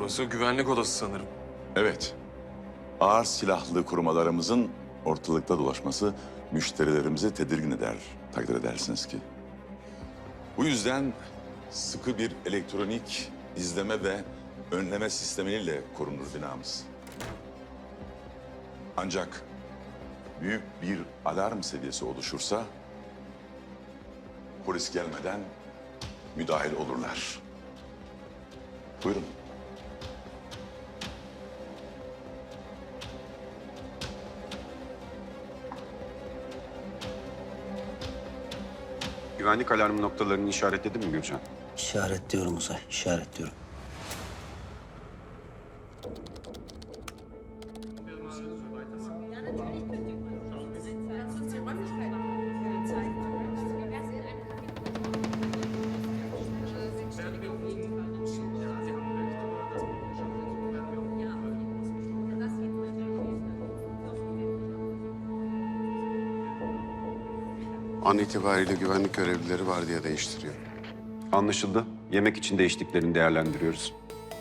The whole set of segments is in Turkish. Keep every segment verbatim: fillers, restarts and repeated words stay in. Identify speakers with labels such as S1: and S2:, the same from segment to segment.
S1: Burası güvenlik odası sanırım.
S2: Evet. Ağır silahlı korumalarımızın ortalıkta dolaşması müşterilerimizi tedirgin eder, takdir edersiniz ki. Bu yüzden sıkı bir elektronik izleme ve önleme sistemiyle korunur binamız. Ancak büyük bir alarm seviyesi oluşursa polis gelmeden müdahil olurlar. Buyurun.
S3: Güvenlik alarmı noktalarını işaretledin mi Gülcan?
S4: İşaretliyorum Uzay, işaretliyorum.
S5: An itibariyle güvenlik görevlileri vardiya değiştiriyor.
S3: Anlaşıldı. Yemek için değiştiklerini değerlendiriyoruz.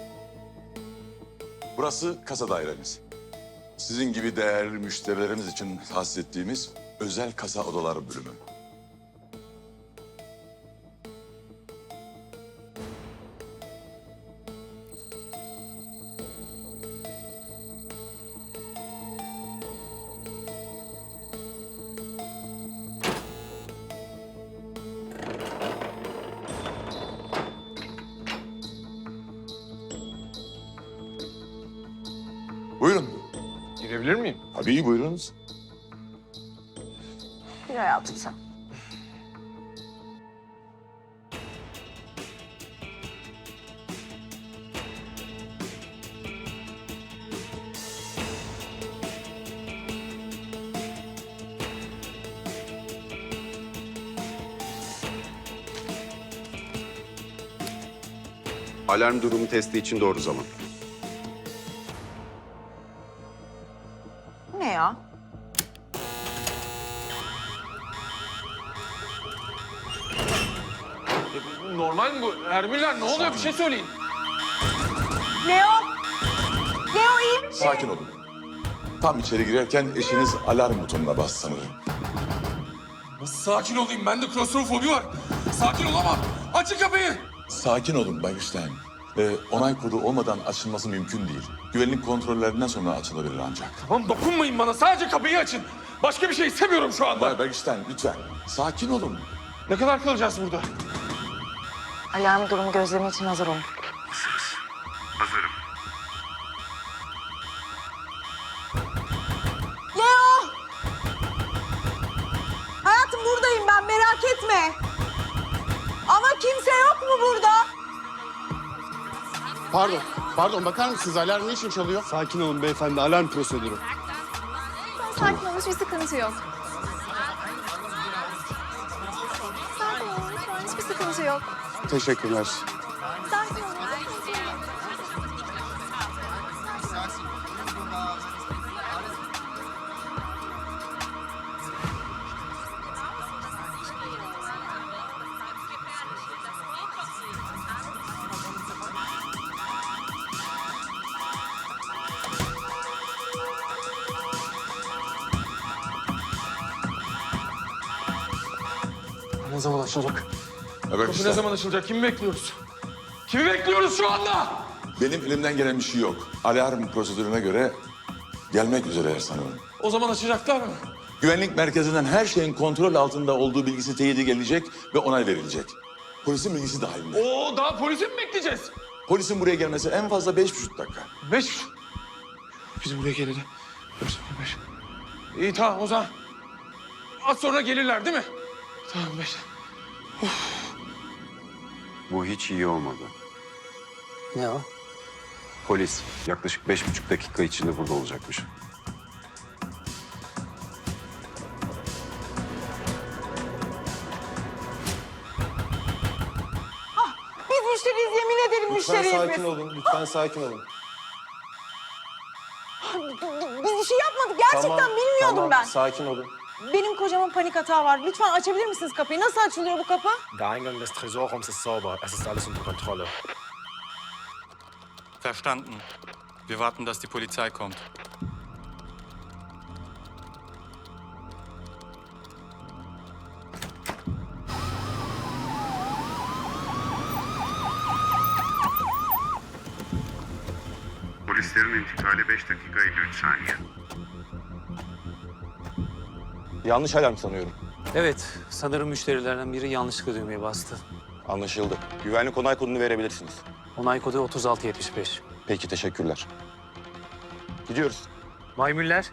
S2: Burası kasa dairemiz. Sizin gibi değerli müşterilerimiz için tahsis ettiğimiz özel kasa odaları bölümü. Buyurun.
S1: Girebilir miyim?
S2: Tabii buyurunuz.
S6: Bir hayatım sen.
S3: Alarm durumu testi için doğru zaman.
S6: Ne ya?
S1: Normal mi bu? Ermüller ne oluyor? Bir şey söyleyin.
S6: Leo! Leo iyi misin?
S2: Sakin olun. Tam içeri girerken eşiniz alarm butonuna bastı sanırım.
S1: Nasıl sakin olayım? Bende klostrofobi var. Sakin olamam. Açın kapıyı.
S2: Sakin olun Bay Güçten. Ee, onay kodu olmadan açılması mümkün değil. Güvenlik kontrollerinden sonra açılabilir ancak.
S1: Tamam dokunmayın bana. Sadece kapıyı açın. Başka bir şey istemiyorum şu anda.
S2: Bay Bergisten lütfen. Sakin olun.
S1: Ne kadar kalacağız burada?
S6: Alarm durumu gözlemi için hazır olun. Leo! Hayatım buradayım ben, merak etme. Ama kimse yok mu burada?
S7: Pardon, pardon bakar mısınız? Alarm niçin çalıyor?
S8: Sakin olun beyefendi, alarm prosedürü.
S9: Sakin olun, hiçbir sıkıntı yok. Sakin olun, lütfen hiçbir sıkıntı yok.
S7: Teşekkürler.
S9: Sakin olun, sıkıntı yok.
S1: Ne zaman açılacak?
S2: Bay
S1: Kapı ne
S2: Bergisten,
S1: zaman açılacak? Kimi bekliyoruz? Kimi bekliyoruz şu anda?
S2: benim elimden gelen bir şey yok. Alarm prosedürüne göre gelmek üzereler sanırım.
S1: O zaman açacaklar mı?
S2: Güvenlik merkezinden her şeyin kontrol altında olduğu bilgisi teyide gelecek ve onay verilecek. Polisin bilgisi dahilinde.
S1: Oo daha polisi mi bekleyeceğiz?
S2: Polisin buraya gelmesi en fazla beş buçuk dakika.
S1: Beş. Biz buraya geleli. Dört, beş. İyi tamam o zaman. Az sonra gelirler değil mi? Tamam beş.
S3: Bu hiç iyi olmadı.
S4: Ne o?
S3: Polis yaklaşık beş buçuk dakika içinde burada olacakmış.
S6: Biz müşteriyiz, yemin ederim
S8: Lütfen
S6: müşteriyiz
S8: sakin
S6: biz.
S8: olun, lütfen sakin olun.
S6: Biz bir şey yapmadık, gerçekten bilmiyordum
S8: tamam,
S6: ben.
S8: sakin olun.
S6: Benim kocamın panik hatağı var. Lütfen açabilir misiniz kapıyı? Nasıl açılıyor bu kapı?
S10: Der Eingang des Tresorraums ist sauber. Es ist alles unter Kontrolle. Verstanden. Wir warten, dass die Polizei kommt.
S5: Polislerin intikali beş dakika elli üç saniye.
S11: Yanlış alarm sanıyorum.
S4: Evet, sanırım müşterilerden biri yanlışlıkla düğmeye bastı.
S11: Anlaşıldı. Güvenlik onay kodunu verebilirsiniz.
S4: Onay kodu otuz altı yetmiş beş.
S11: Peki, teşekkürler. Gidiyoruz.
S4: Maymüller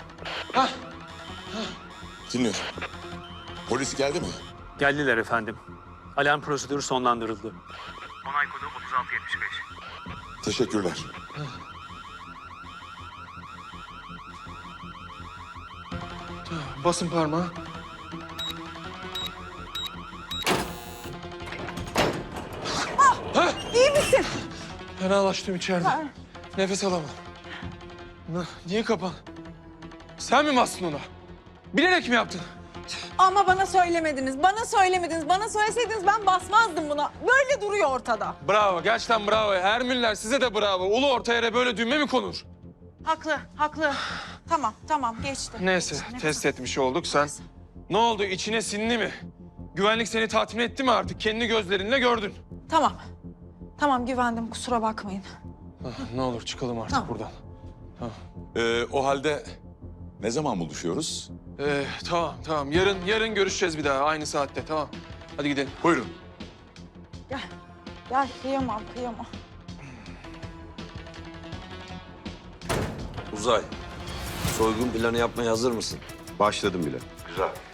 S2: Dinliyorum. Polis geldi mi?
S4: geldiler efendim. Alarm prosedürü sonlandırıldı.
S2: Teşekkürler.
S1: Basın parmağı.
S6: İyi misin?
S1: Fenalaştım içeride. Nefes alamam. Ne- Niye kapan? Sen mi bastın ona? Bilerek mi yaptın?
S6: Ama bana söylemediniz. Bana söylemediniz. Bana söyleseydiniz ben basmazdım buna. Böyle duruyor ortada.
S1: Bravo, gerçekten bravo. Ermüller size de bravo. Ulu orta yere böyle düğme mi konur?
S6: Haklı, haklı. Tamam, tamam geçti.
S1: Neyse, test etmiş olduk sen. Ne oldu, içine sindi mi? Güvenlik seni tatmin etti mi artık? Kendi gözlerinle gördün.
S6: Tamam. Tamam güvendim kusura bakmayın.
S1: Ah, ne olur çıkalım artık
S6: Tamam.
S1: buradan.
S2: Ee, o halde ne zaman buluşuyoruz?
S1: Ee, tamam, tamam. Yarın, yarın görüşeceğiz bir daha aynı saatte, tamam. Hadi gidelim.
S2: Buyurun.
S6: Gel. Gel kıyamam kıyamam.
S3: Uzay, soygun planı yapmaya hazır mısın?
S5: Başladım bile.
S3: Güzel.